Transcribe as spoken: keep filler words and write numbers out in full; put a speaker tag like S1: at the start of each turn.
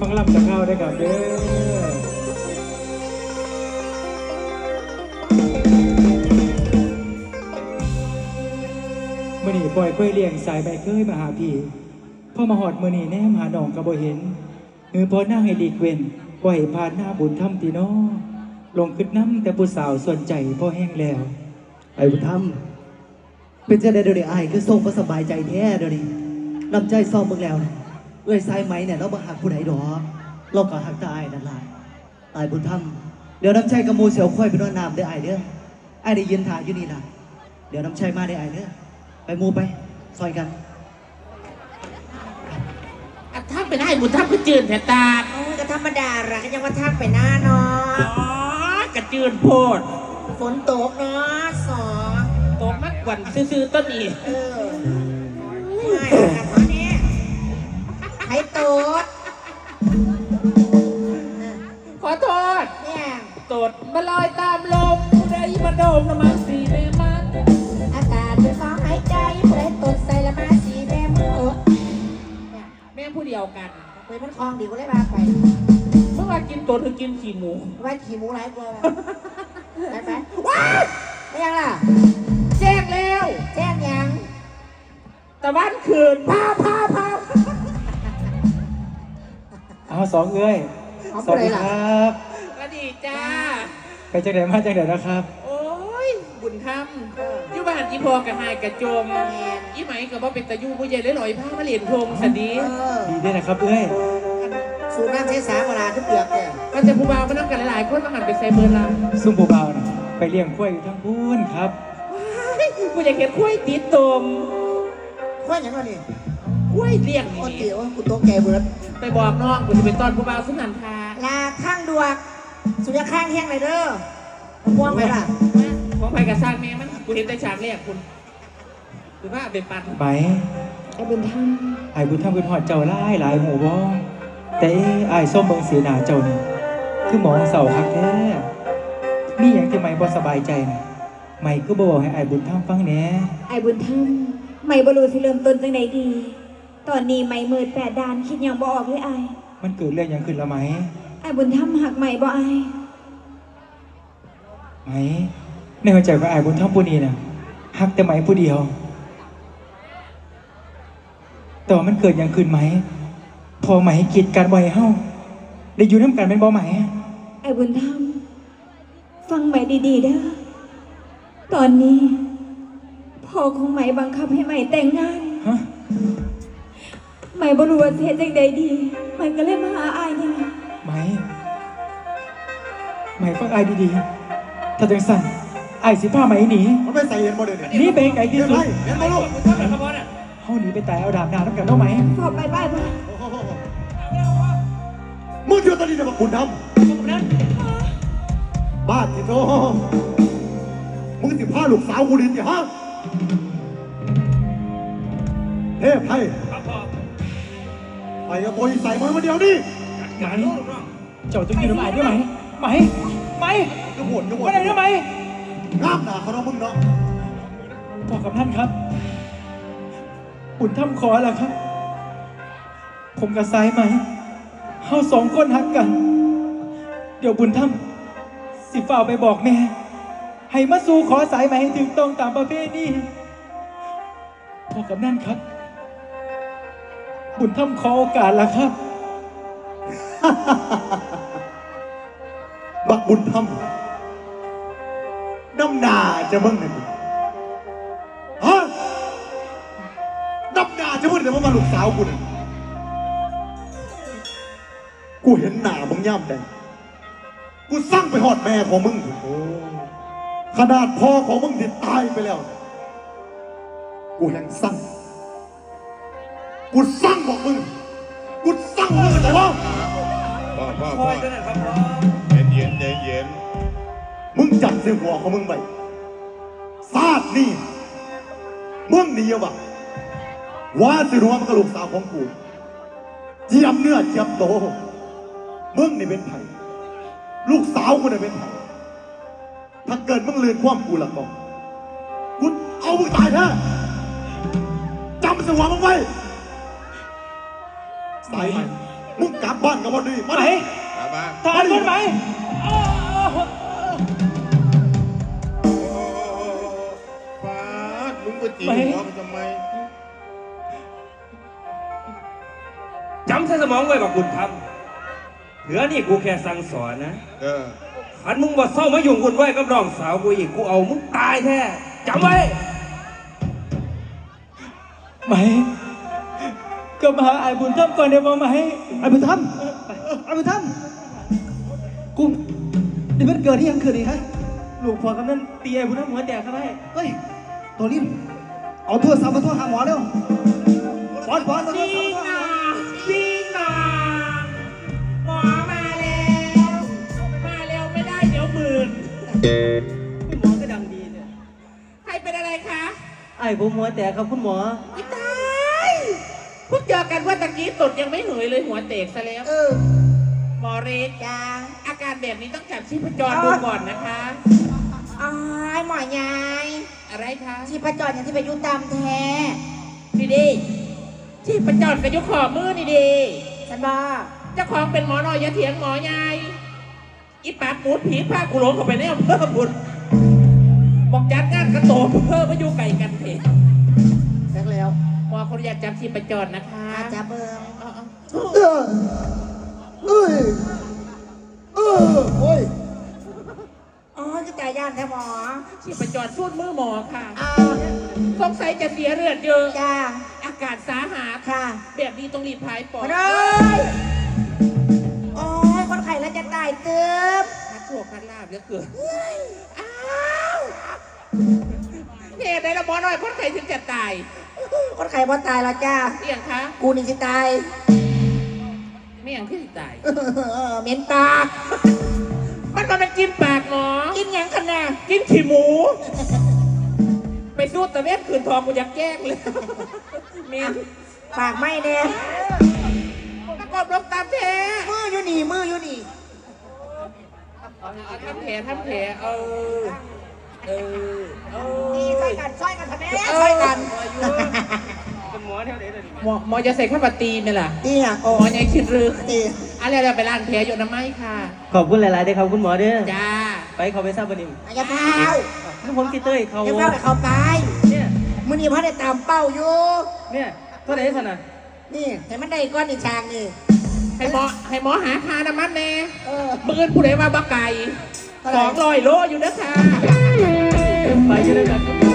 S1: ฟังลำจะเข้าได้กับเด้อมื่อนี่ปล่อยกล้วยเลี้ยงสายใบเคยมาหาพี่พ่อมาหอดมื่อนี่แนมหาหนองกระโบเห็นเงือพอหน้าให้ดีเว้นปล่อยผ่านหน้าบุญธรรมตีน้อลงขึ้นน้ำแต่ผู้สาวส่วนใจพ่อแห้งแล้ว
S2: ไอ้บุญธรรมเป็นจะได้เดี๋ยวนี้ไอ้คือทรงก็สบายใจแท้เดี๋ยวนี้นำใจซ่อมมึงแล้วนะเอ้ยสายไหมเนี่ยเราบังหักผู้ใดดอกเราก็หักตาไอ้นั่นล่ะไอ้บุญธรรมเดี๋ยวน้ำใจกับมูเสียวค่อยไปนอนน้ำได้ไอ้เด้อไอ้ได้ยินถ่ายอยู่นี่ล่ะเดี๋ยวน้ำใจมาได้ไอ้เด้อไปมูไปซอยกัน
S3: ถ้าไปได้บุญทับก็จืดแผ่ตา
S4: ก็ธรรมดาละก็ยังว่าทักไปหน้าเนาะ
S3: อ๋อกระจืดโพด
S4: ฝนตกเนาะสอ
S3: ตกมากกว่าซื้อๆต้นอี
S4: เออไม่ครับมาเนี่ยให้โตด
S3: ขอโทษ
S4: เนี่ย
S3: ตดมาลอยตามลมผู้ใดมาโดมละมาสีแม่มัน
S4: อากาศเป็นของหายใจผู้ใดตดใส่ละมาสีแม่มือ
S3: แม่ผู้เดียวกัน
S4: เคยมันคลองดีก็เลยมาไป
S3: เมื่อวานกินตดหรือกินขี่หมู
S4: ว่าขี่หมูไรกลัวไปไปว้าไม่ยังล่ะ
S3: แจ้งแล้ว
S4: แจ้งยัง
S3: ตะวันคืนพาพาพา
S1: เอาสองเอ้ยสวัสดีครับ
S3: สวัสดีจ้า
S1: ไปจังไหนมาจังไหนนะครับ
S3: โอ้ยบุญธรรมยุบานอีพอกับหายกระโจมอีไหมกับว่าเป็นตะยูผู้ใหญ่เลยลอยผ้ามาเหรียญทงสดี
S1: ดีด้วยนะครับเอ้ย
S4: สูบน้ำเทสาเวลาทุกเดือนเนี่ย
S3: มันจะผู้บ่าวมานั่งกันหลายๆคนมาหันไปใส่เบอร์ลา
S1: ซุ่มผู้บ่าวนะไปเลี้ยงกล้วยอยู่ทั้งพูนครับ
S3: ผู้ใหญ่เห็นกล้วยติดตม
S4: กล้วยยังไงนี่
S3: กล้วยเลี้ยง
S4: นี่เดี๋ยวกูโตแก่เบิร์ด
S3: ไปบอกน้องกูจะเป็นตอนผู้บ่าวสุนันทา
S4: ลาข้างดวกสุดยอดข้างแห้งเลยเด้อม่วงไหมล่ะ
S3: มองไปกับสร้างแม่มันกูเห็นแต่ฉากแรกคุณหรือว่าเป็นปัน
S1: ไป
S4: ไอ้บุญธรรม
S1: ไอ้บุญธรรมเป็นหอดเจ้าไล่หลายหมู่บ่แต่ไอ้ส้มเบิงเสียหนาเจ้านี่คือหมองเสาคักแท้มีอย่างที่ไม่บ่สบายใจนะไม่ก็บอกให้ไอ้บุญธรรมฟังแหน่
S5: ไอ้บุญธรรมไม่บรู้สิเริ่มต้นจังไหนดี ตอนนี้ไม่มืดแปดดานคิดยังบ่ออกเลยไอ้
S1: มันเกิดเรื่องอย่างขึ้นแล้วไหม
S5: ไอ้บุญธรรมหักใหม่บ่ไอ้
S1: ไหมในหัวใจของไอ้บุญธรรมผู้นี้นะหักแต่ไหมผู้เดียวแต่ว่ามันเกิดอย่างขึ้นไหมพอไหมกีดการบ่อยเฮ้าได้อยู่น้ำกันเป็นบ่ไหม
S5: ไอ้บุญธรรมฟังใหม่ดีๆเด้อตอนนี้พ่อของใหม่บังคับให้ใหม่แต่งงาน
S1: ฮะ
S5: ใหม่บ่รู้ว่าเฮ็ดจังใดดีใหม่ก็เลยมาหาอ้ายนี่ล่ะ
S1: ไหมไหมฟังอ้ายดีๆถ้าจังสั่นอ้ายสิพาไหมหนี
S2: มันไม่ใส่เห็นบ่เด้อ
S1: นี่เป็นไก่ที่สุด
S2: เห็นบ่ลูก
S1: เฮาหนีไปตายเอาดาบดาบน้ำกันเอาไหม
S5: ขอไปบ้านมา
S2: มึงเจอตอนนี้จะมาบุญธรรมบ้านที่โตมึงสิพาลูกสาวกูดิสิฮะเทพไทยไปกับโบยใส่มือมาเดียวนี่
S1: ไหมเจ้าต้องยืนน้ำอายด้วยไหมไหมไหม
S2: กระโดดกระโดด
S1: ไม่ได้ด้วยไหม
S2: งามหนาเขาเนาะมึงเนาะ
S1: บอกกับท่านครับบุญธรรมขอแล้วครับผมกับสายไหมเฮาสองคนหักกันเดี๋ยวบุญธรรมสิฝ่าไปบอกแม่ให้มาสู่ขอสายไหมให้ถึงตรงตามประเพณีพอกับนั่นครับบุญธรรมขอโอกาสแล้วครับ
S2: บักบุญธรรมน้ำหนาจะมึงหนึ่งฮะน้ำหนาจะมึงเดี๋ยวมาลูกสาวกูเนี่ยกูเห็นหนามึงย่ำแต่กูสร้างไปหอดแม่ของมึงขนาดพ่อของมึงที่ตายไปแล้วกูยังสร้างกูสร้างบอกมึงกูสร้างมึงแต่ว่า
S6: พ่อพ่อพ่อเย็นเย็นเย็นเย็น
S2: มึงจับเสียหัวของมึงไปซาดนี่มึงนี่วะว่าสิรัวมันกระลูกสาวของกูเจียมเนื้อเจียมโตมึงนี่เป็นไผ่ลูกสาวกูนี่เป็นไผ่ถ้าเกิดมึงเลือนความกูละก็กูเอามึงตายแท้จำเสียหัวมึงไว้สายไหมมึงกลับบ้านกับวันนี้มา
S1: ไหม
S2: ดิ
S6: มามา
S1: ทหารคนไหมอ้าว
S6: โอ้ฟาดมึงไปจีบหัวมันทำไม
S7: จำใส่สมองไว้บอกบุญธรรมเหลือนี่กูแค่สั่งสอนนะ
S6: เออ
S7: ขันมึงบ่เศร้ามายุ่งวุ่นวายกับน้องสาวกูอีกกูเอามึงตายแท้จำไว้
S1: ไหมก็มาหาไอ้บุญธรรมก่อนเดี๋ยวมาไหม
S8: ไอ้บุญธรรมไอ้บุญธรรมกูนี่มันเกิดที่ยังเกิดอีกฮะ
S1: ลูกพ่อกำนันตีไอ้บุญธรรมหัวแตกครับไอ้
S8: เฮ้ยตัวนี้เอาโทรศัพท์มาโทรหาหมอเร็วบอสบอสเอาโทรศัพท์มาโทรหาหมอ
S3: พี่น้องหมอมาแล้ว มาแล้วไม่ได้เดี๋ยวหมื่น
S1: คุณหมอก็ดังดีเนี่ย
S3: ใครเป็นอะไรคะ
S1: ไอ้ผมหัวแตกครับคุณหมอ
S3: อีตายเพิ่งเจอกันว่าตะกี้ตดยังไม่เหยเลยหัวเตกซะแล้ว
S4: เออ
S3: หมอเรส
S4: จ้า
S3: อาการแบบนี้ต้องจับชีพจรดูก่อนนะคะ
S4: อ้ายหมอยาย
S3: อะไรคะ
S4: ชีพจรอย่างที่ไปยุ่ตามแท้
S3: นี่ดีชีพจรกระยุกขอมือนี่ดี
S4: ฉันบอก
S3: เจ้าของเป็นหมอน้อยอยาเถียงหมอยายอีปากหมูดผีผ้ากุหลงเข้าไปในอำเภอบุญบอกจัดงานกระโตเพิ่มมาอยู่ไก่กันเถอะ
S4: เลิกแล้ว
S3: หมอคนอยากจับชีพจรนะคะ
S4: อาจจะเบิ่ง
S3: เอาเอา
S8: เออเอ้ยเออโอ้ย
S4: อ๋อคือตายย่านแท้หมอ
S3: ชีพจรสูดมือหมอค่ะ
S4: อ่า
S3: สงสัยจะเสียเลือดเยอะ
S4: จ้า
S3: อากาศสาหัส
S4: ค่ะ
S3: แบบนี้ต้องรีบพายปอด
S4: มาเลยโอ้ยคนไข้แล้วจะตายเติบ
S3: พัดโชคพัดลาบเหลือเกินอ้าวเหตุใดละหมอน้อยคนไข้ถึงจะตาย
S4: คนไข้บ่ตายแล้วจ้า
S3: เอี่ยงคะ
S4: กูนี่สิตาย
S3: ไม่อย่างที่ตาย
S4: เออเหม็นปาก
S3: มันมันเป็นกินปากหมอ
S4: กินหยังกันน่ะ
S3: กินขี้หมู ไปสู้ตะเวนคืนทองกูอยากแกล้งเลยเมียน
S4: ปากไม่แน่
S3: ประกอบลงตามแผล
S4: มืออยู่นี่มืออยู่นี่
S3: เอาทำแผลทำแผลเออเออเออ
S4: นี่ช่วยกันช่วยกันทำไมช่วยกัน
S1: เป็นหมอแถวไหนเลย
S3: หมอหมอจะใส่ข้าวปตีนไหมล่ะ
S4: นี่อ่ะ
S3: โอ้หมอยังคิดรึก
S4: นี่
S3: อะไรเราไปล้างแผลอยู่น้ำไม้ค่ะ
S1: ขอบคุณหลายๆด้วยครับคุณหมอเด้อ
S3: จ้า
S1: ไปเขาไปทราบวันนี้
S4: อย่าเฝ้า
S1: ลูกผมติเต้ยเขา
S4: อย่าเฝ้าไปเขาไป
S1: เนี่ย
S4: มือนี่พ่อได้ตามเป้าอยู่
S1: เนี่ยเท่าไหร่สนะ
S4: นี่เห็นมันได้ก้อนอีกทางนี่
S3: ให้หมอให้หมอหาทาน้ำมันแน่
S4: เออ
S3: มือผู้ใดมาบักไก่สองร้อยโลอยู่นะคะ
S1: ไปอยู่ด้วยกัน